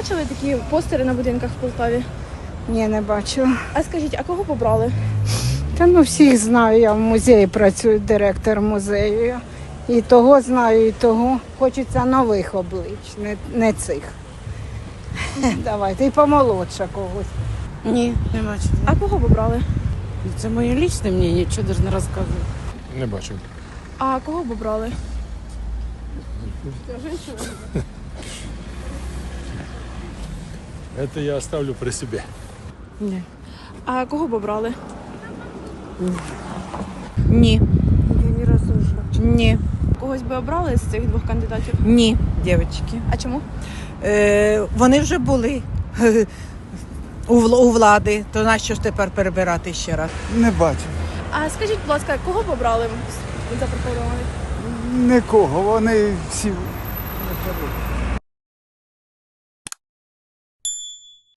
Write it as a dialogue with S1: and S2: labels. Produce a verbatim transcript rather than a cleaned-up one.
S1: бачили такі постери на будинках в Полтаві?
S2: Ні, не бачу.
S1: А скажіть, а кого побрали?
S2: Та ну всіх знаю, я в музеї працюю, директор музею. І того знаю, і того. Хочеться нових облич, не, не цих. Давайте, і помолодша когось.
S3: Ні, не бачу.
S1: А кого побрали?
S3: Це моє лічне мнення, нічого навіть не розказую.
S4: Не бачив.
S1: А кого побрали?
S4: Это я оставлю при себе.
S3: Ні.
S1: А кого побрали?
S5: Ні.
S3: Я ні разу не бачу.
S5: Ні.
S1: Когось би обрали з цих двох кандидатів?
S5: Ні, дівчатки.
S1: А чому?
S5: Е, вони вже були у, вл- у влади, то нащо ж тепер перебирати ще раз?
S6: Не бачу.
S1: А скажіть, будь ласка, кого побрали запропонованих?
S6: Нікого. Вони всі не